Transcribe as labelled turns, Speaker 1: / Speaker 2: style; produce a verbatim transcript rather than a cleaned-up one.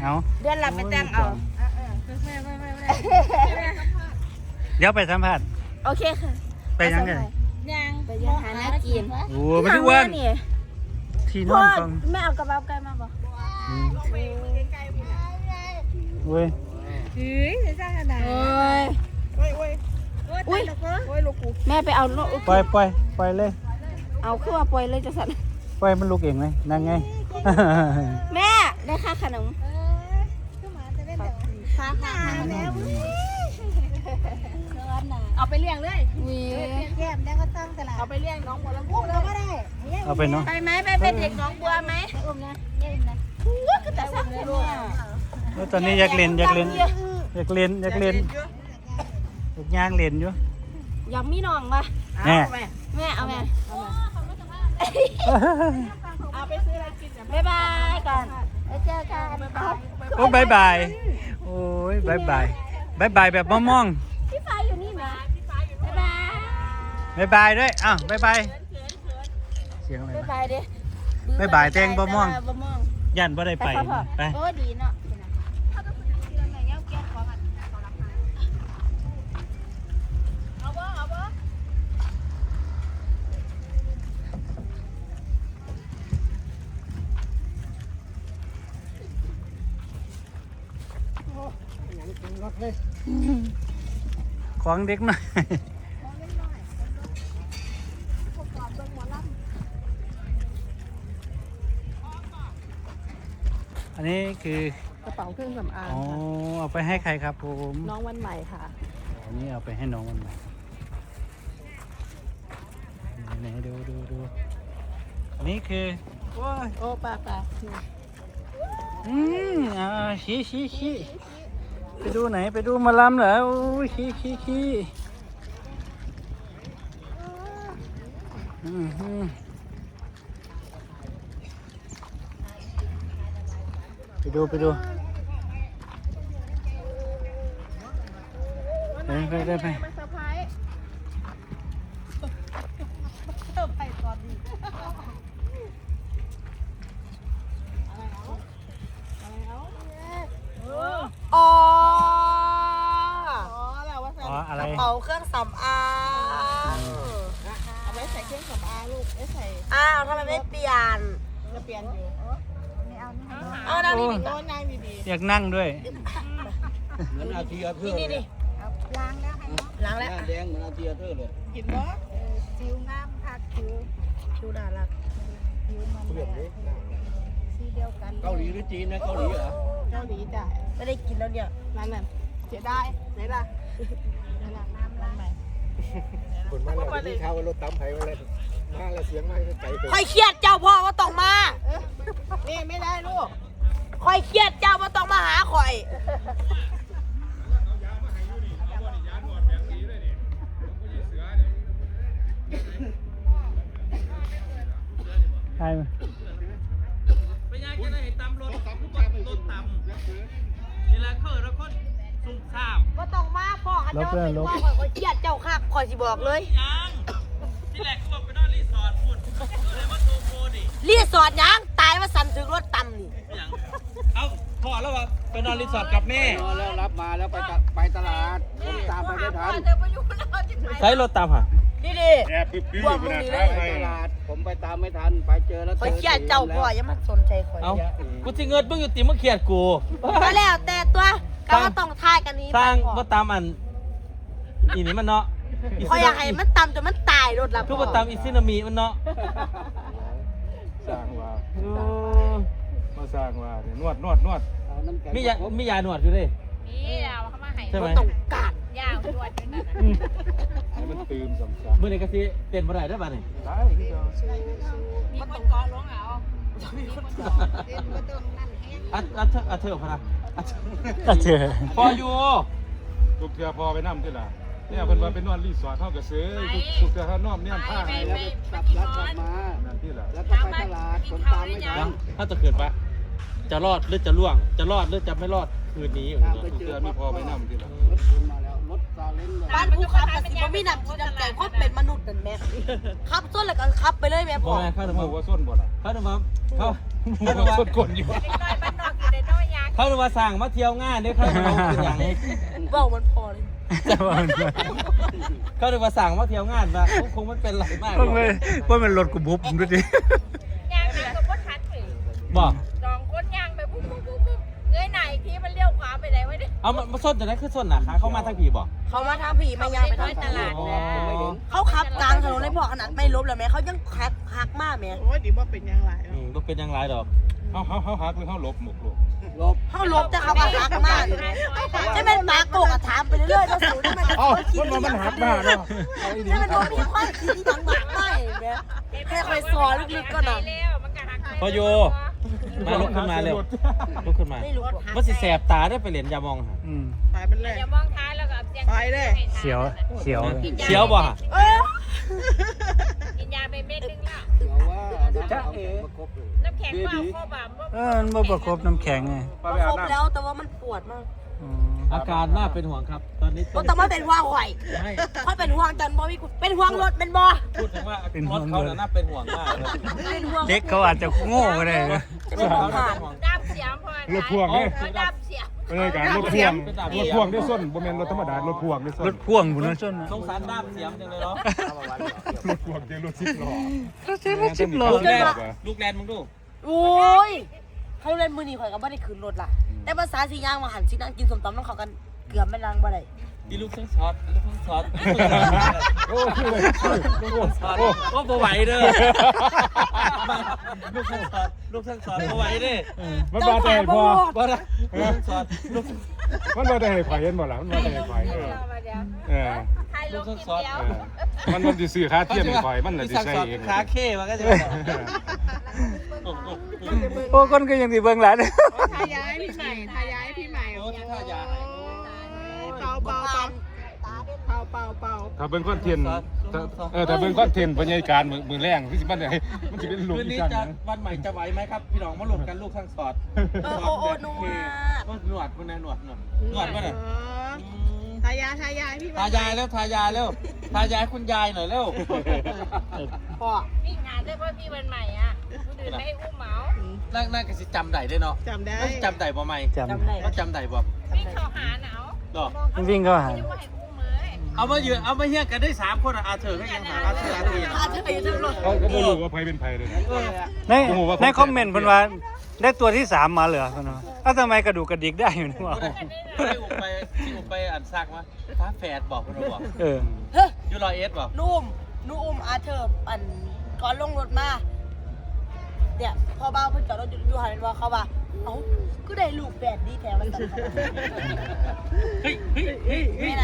Speaker 1: เอา
Speaker 2: เดือนละไปแต่งเอา
Speaker 1: เดี๋ยวไปสัมภาษณ์
Speaker 2: โอเคค่ะ
Speaker 1: ไปยังไง
Speaker 2: ยังไปยังหาหน้ากิน
Speaker 1: โอ้ไปทุกวันที่นอนกอง
Speaker 2: แม่เอากระเป๋าไกลมาบ่
Speaker 1: เว้ย
Speaker 2: เฮ้ยจะสร้างขนาดโอ้ยโอ้ยโอ้ยโอ้ยโอ้ยลูกกูแม่ไปเอาลูก
Speaker 1: ปล่อยปล่อยปล่อยเลย
Speaker 2: เอาขึ้นมาปล่อยเลยจะสั่น
Speaker 1: ปล่อยมันลุกเองไหมนั่งไง
Speaker 2: แม่ได้ค่าขนมค่าค่าแล้วเอาไปเลี้ยงเลยวีแก้มได้ก็ต้องตลาดเอาไปเลี้ยงน้องบัวลำพูแล้วก็ได้
Speaker 1: เอาไปเนาะ
Speaker 2: ไปไหมไปเป็นเด็กน้องบัวไหมอุ้มนะอุ้มนะก็แต่สั่งเลยลูก
Speaker 1: ตอนนี้อยากเล่นอยากเล่นอยากเล่นอยากเล่นอยากย่างเล่นอยู่
Speaker 2: อยากมีน้องป่ะ
Speaker 1: แม่
Speaker 2: แม่เอาแม่เอาไปซื้ออะไรกินบ๊ายบายก่อนแล้วเจอกัน
Speaker 1: โอ้บายบายโอ้ยบายบายบายบายแบบมอง
Speaker 2: พี่ฟ้าอยู่นี่ไหมบ๊ายบาย
Speaker 1: บายบายด้วยอ้าวบายบายเสียงอะไร
Speaker 2: บ๊ายบายดิ
Speaker 1: บายบายแตงบ่ม่วงยันบ่ได้ไปไป
Speaker 2: โอ้ดีเนาะ
Speaker 1: ของเด็กหน่อยอันนี้คือก
Speaker 2: ระเป๋าเครื่องสำอาง
Speaker 1: อ๋อ
Speaker 2: ค่ะ
Speaker 1: เอาไปให้ใครครับผม
Speaker 2: น้องวันใหม่ค่ะ
Speaker 1: อันนี้เอาไปให้น้องวันใหม่ไหนดูดูดูอันนี้คือโอ้ย
Speaker 2: โอ้ป่าป่า
Speaker 1: อืมอ่าชี้ชี้ชี้ไปดูไหนไปดูมาลำเหรอโอ้ยขี้ขี้ขี้อืมอืมไปดูไปดูไปไปได้ไป
Speaker 2: อ๋อ
Speaker 1: อ๋ออะไร
Speaker 2: กระเป๋าเครื่องสำอางเอาไว้ใส่เครื่องสำอางลูกไม่ใส่อ้าวทำไมไม่เปลี่ยนจะเปลี่ยนอยู่เอานั่งดีๆนั่งดี
Speaker 1: ๆอยากนั่งด้วย
Speaker 3: เหมือนอาเทียเธอ
Speaker 2: นี่นี่ล้างแล้วล้างแล้ว
Speaker 3: แดงเหมือนอาเทียเธอเลย
Speaker 2: กินบ่ผิวงามค่ะผิวผิวน่ารักผิวมันสีเดียวกัน
Speaker 3: เกาหลีหรือจีนนะเกาหลีเหรอ
Speaker 2: เกาหลีจ้ะไม่ได้กินแล้วเนี่ยนั่นน่ะเสียดายไหนล่ะนั่นน่ะน้ำล้างใหม่
Speaker 3: คนมาแล้วที่เขารถตั้มไผ่มาเลยมาแล้วเสียงไม่ไกล
Speaker 2: ค่อยเครียดเจ้าพ่อว่าต้องมานี่ไม่ได้ลูกค่อยเครียดเจ้าว่าต้องมาหาข่อย
Speaker 1: ใช่ไหม
Speaker 4: ไปย่างจะได้เห็นตำรถรถตำนี่แหละเขาแล้วคนสุ่มซ่าม
Speaker 2: ว่าต้องมาพ่อเขาเจ้าเป็นว่าข่อยค่อยเครียดเจ้าคักข่อยสิบอกเลย
Speaker 4: ยังที่แรกเขาบอกไปนอนรีสอร์ทพูดเลยว่าโทรโฟดิ
Speaker 2: รีสอร์ทยังตายว่าสั่นถึงรถตำนี่
Speaker 4: เอาพ่อแล้วว่าไปนอนรีสอร์ทกับแม่
Speaker 3: แล้วรับมาแล้วไปไปตลาดผมตามไปไม่ทัน
Speaker 4: ใช้รถตามค่ะ
Speaker 2: นี่ดิบวกมึงนี่เลย
Speaker 3: ไปตลาดผมไปตามไม่ทันไปเจอแล้ว
Speaker 2: ข่อยเครียดเจ้าพ่อยังมาสนใจข่อย
Speaker 4: เอากูที่เงินมึงอยู่ติมึงเครียดกู
Speaker 2: ก็แล้วแต่ตัวก็ว่าต้องทายกันนี้
Speaker 4: สร้างว่าตามอันอีนี่มันเนาะ
Speaker 2: ข่อยอยากให้มันตำจนมันตายรถละ
Speaker 4: ทุกว่าตามอีซินามีมันเนาะ
Speaker 3: สร้างว่ามาสร้างว่านวดนวดนวด
Speaker 4: มียามียาหนวดอยู่ดิ
Speaker 2: มีแล้วเขามาให้
Speaker 4: ใช่ไหม
Speaker 2: ต้องกัดยาหนวดอยู่นั่นน่ะ
Speaker 3: ให้มันตื่นสมศักดิ์
Speaker 4: เมื่อไหร่ก็สิเต้นบ่ได้ได้ป่ะนี่
Speaker 3: ได้ที่เรา
Speaker 2: มีคนกอร้องเอามีคนกอเต้นบ่ต้องนั่นแห้ง
Speaker 4: อัดอัดอัดเถอะพะนะ
Speaker 1: อัดเถอะ
Speaker 4: พออยู่
Speaker 3: ทุกเทือพอไปนั่งที่ละเนี่ยเพิ่นว่าไปนอนรีสอร์ทเฮาก็ซื้อทุกเทือเฮานอนเนี่ยผ้าให้แล้วกลับแล้วกลับมานั่นที่ละแล้วก็ไปตลาดผมตามไม่ทัน
Speaker 4: ถ้าจะเกิดปะจะรอดหรือจะล่วงจะรอดหรือจะไม่รอดคืนนี้อยู่
Speaker 3: ทุกเทือมีพอไปนั่งที่ละรถมาแล้วรถซาเล้ง
Speaker 2: บ้านภูเขากับสิบ่มีน้ำจิตน้ำใจเพราะเป็นมนุษย์นั่นแม่ขับส้นแล้วก็ขับไปเลยแม่พ่อ
Speaker 4: เข้าถึง
Speaker 3: ว่าส้นบ่ล่ะ
Speaker 4: เข้าถึงมาเข้า
Speaker 3: ว่าส้นคนอยู่
Speaker 2: บ้านนอกอยู่ในน้อยยา
Speaker 4: เขาเรียกว่าสั่งมาเที่ยวงานเนี่ยเขาเอาเป็นอย่าง
Speaker 2: เบ้ามันพอเลย
Speaker 4: เขาเรียกว่าสั่งมาเที่ยวงานมาคงมันเป็นไรมาก
Speaker 1: ว่ามันว่ามันรถกูบุบผมดูดิ
Speaker 5: ยางไปกับรถทันไป
Speaker 4: บอก
Speaker 5: สองคนยางไปปุ๊บปุ๊บปุ๊บปุ๊บเงยไหนที่มันเลี้ยวขวาไปไหนวะเนี่ย
Speaker 4: เอามามาส้นจากนั้นคือส้นหนาขาเข้ามาทางผีบอก
Speaker 2: เขามาทางผีมายางไปทางตลาดเขาขับกลางถนนเลยพอขนาดไม่ลบเลยแม่เขายังคักคักมากแม่
Speaker 6: โอ้ยดีว่าเป็นยังไง
Speaker 4: อืมก็เป็นอยังไรดอก
Speaker 3: เฮาเฮาเฮาหักหรือเฮาหลบหมกหลบ
Speaker 2: เขาลบแต่เขาก็คักมากจะเป็นหมาโกกถามไปเรื่อยๆมาสูงได้ไหม
Speaker 3: เอ้ามันมันหักมาเนาะ
Speaker 2: จะเป็นคนมีความคิดที่ดังมากไม่แม่ให้คอยสอนลึกๆก็หน่อย
Speaker 5: แล้วมันก็หัก
Speaker 4: พอโยมาลุกขึ้นมาเร็วลุกขึ้นมา
Speaker 2: ไม่รู้
Speaker 4: ว่าสิแสบตาได้ไปเหรียญยามองหา
Speaker 1: อืม
Speaker 6: ไปเป็นเลย
Speaker 5: อย่ามองท้ายแล้วก็เสียง
Speaker 6: ไปเลย
Speaker 1: เสียวเสียว
Speaker 4: เขียวบ่ฮะ
Speaker 2: เออ
Speaker 5: กินยาไปเม็ดนึงแล้ว
Speaker 3: จ้าเอ๋
Speaker 5: น้ำแข็งเปล่าโคบะ
Speaker 1: เออมันบ่ประคบน้ำแข็งไง
Speaker 3: ไป
Speaker 2: มัน
Speaker 3: ไป
Speaker 2: ค
Speaker 3: อา
Speaker 2: ร
Speaker 3: บบ น้ำ
Speaker 2: แล้วแต่ว่ามันปวดมาก
Speaker 1: อืม
Speaker 4: อาการน่าเป็นห่วงครับ ตอนนี้
Speaker 2: ก็ต้องมาเป็นห่วงข่อย
Speaker 4: ไม่
Speaker 2: ค่อยเป็นห่วงจันบ่มีเป็นห่วงรถเป็นบ่
Speaker 4: พูดถึงว่ารถเขาน่าเป็นห่วงมากเลย
Speaker 2: เป็นห่วง
Speaker 1: เด็กเขาอาจจะโง่ก็ได้นะ
Speaker 2: จะเป็นห่วงผ่าน
Speaker 5: ดับเสียงพอ
Speaker 3: รถพ่วงเด้
Speaker 5: ดับเสียง
Speaker 3: บรรยากาศรถพ่วงรถพ่วงได้ส้นบ่แม่นรถธรรมดารถพ่วงได้ส้
Speaker 1: ร
Speaker 3: น
Speaker 1: ถพ่วงบุญนะส้นนะ
Speaker 4: สงสารด้ามเสียมจังเลยเนาะ
Speaker 3: รถพ่วงเจอรถสิบล้อ
Speaker 1: รถเจ๊รถสิบล้อ
Speaker 4: ลูกแลนลูกแลนมึงดู
Speaker 2: โอ้ยเขาเล่นมือหนีข่อยก็ไม่ได้คืนรถล่ะแต่ภาษาสีย่างมาหันสีนั่งกินสมตำน้ำเขากันเกือบไม่ลังบ่ได้
Speaker 4: ดีลูกทั้งช็อตลูกทั้งช็อต
Speaker 3: โอ้คือเลย
Speaker 4: ลูกทั้งช็อตก็บ่ไหวเด้อลูกทั้งช็อตลูกทั้งช็อตบ่ไหวเด้อ
Speaker 3: มันมาแต่ให้พอ
Speaker 4: บ่ได้ลูกทั้งช็อตลูก
Speaker 3: มันมาแต่ให้ไฟเห็นบ่ล่ะมันมาแต่ให้ไฟเออ
Speaker 5: มาเดี๋ยว
Speaker 3: เออ
Speaker 5: ไทยลงทีเดียว
Speaker 3: เออมันมันสิซื้อค่าเทียมให้ไฟมันน่ะสิใช้เอง
Speaker 4: ขาเข้มันก็จะ
Speaker 1: โอ้คนก็ยังสิเบิ่งหลาน
Speaker 6: ทายายพี่ใหม่ทายายพี่ใหม่
Speaker 4: โอ้ที่ท่ายา
Speaker 6: เป่าเป่าเป่าเป่าเป่าเป่า
Speaker 3: ถ้าเบิ่งคอนเทนต์ถ้าเออถ้าเบิ่งคอนเทนต์บรรยากาศมื้อมื้อแรงคือสิมันได้มันสิเป็นลูก
Speaker 4: คืน
Speaker 3: อี
Speaker 4: นี้
Speaker 3: สาน
Speaker 4: จะวันใหม่จะไหวไหมครับ พี่น้องมาหลบกันลูกทั้งช็อต
Speaker 2: เออโอ้โอ้นัว
Speaker 4: หนวดมันนะหนวดหนวดหนวดมันน่ะ
Speaker 6: ทายายทายายพี่
Speaker 4: ทายายแล้วทายายแล้วทายายคุณยายหน่อยเร็ว
Speaker 2: พ่อ
Speaker 5: วิ่งงานได้เพราะพี่วันใหม่อ่ะคนอื่นไม่ให้อุ้มเหมา
Speaker 4: นั่งนั่งกันสิจำได้ได้เนาะ
Speaker 6: จำได้
Speaker 4: จำได้บ่ไหม
Speaker 1: จำ
Speaker 2: จำได้
Speaker 4: ก็จำได้บ่
Speaker 5: วิ่งเข้าหาหนาว
Speaker 4: ดอก
Speaker 1: มันวิ่งเข้าหา
Speaker 5: ไม่ว่าให้อุ้มเลย
Speaker 4: เอามายืนเอามาเฮี้ยกันได้สามคนอ่ะอาเธอก็ยังหาอาเธออาเธอยัง
Speaker 2: อาจจะไปอยู่ทางรถ
Speaker 3: เขาก็บ่รู้ว่าไผเป็นไผเลยนะ
Speaker 1: ในในคอมเมนต์เพิ่นว่าได้ตัวที่สามมาเหรอเพิ่นว่าอ้าวทำไมกระดูกกระดิกได้อยู่นี่วะ
Speaker 4: ไปอุบไปที่อุบไปอันซักมาฟ้าแฝดบอกคุณบอก
Speaker 1: เออ
Speaker 2: เฮ้ย
Speaker 4: ยูรอเอสบอก
Speaker 2: นุ่มนุ่มอาเธอร์อันก่อนลงรถมาเนี่ยพอบ้าเพิ่งจอดรถอยู่หันว่าเขาว่าเอ้าก็ได้ลูกแปดดีแถวมันสั่น
Speaker 4: เฮ้ยเฮ้ยเฮ้ยเฮ้ย